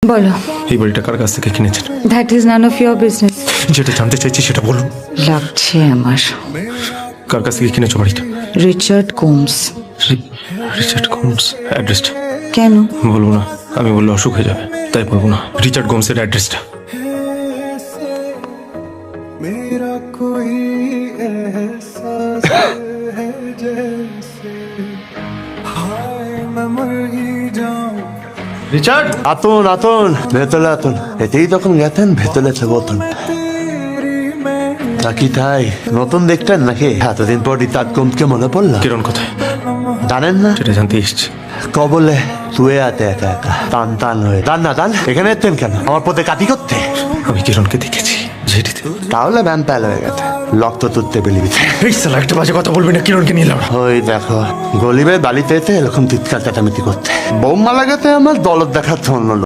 বলো। এই বাড়িটা কার কাছ থেকে কিনেছেন? That is none of your business. যেটা জানতে চাইছি সেটা বলুন। লাগছে আমার। কার কাছ থেকে কিনেছো বাড়িটা? Richard Gomes. Richard Gomes. অ্যাড্রেসটা কেন? বলবো না, আমি বললে অসুখ হয়ে যাবে, তাই বলবো না। রিচার্ড গোমসের অ্যাড্রেসটা। मेरा कोई एहसास है जैसे हाय मैं मर ही जाऊं। রিচার্ড, আতন আতন ভেতরে আতন। এতেই তখন গেতেন ভেতরে বলতেন तेरी मैं নাকি তাই নতুন দেখতেন নাকি? এতদিন পর রিচার্ড গোমসকে মনে পড়লো। কিরণ কোথায়? জানেন না? সেটা জানতে এসছি। কবলে শুয়ে আছে একা একা, টান টান হয়ে। টান না টান, এখানে এতেন কেন? আমার পথে কাটি করতে? আমি কিরণকে দেখেছি জেটিতে। তাহলে ব্যান প্যাল হয়ে গেছে, রক্ত তুলতে বেলিবিতে। এই সালা একটা বাজে কথা বলবি না, কিরণকে নিলাম। ওই দেখো গলিবে বালিতে এতে এরকম চিৎকার চেঁচামেচি করতে। বৌমা লাগাতে আমার দলত দেখাচ্ছে অন্য লোক।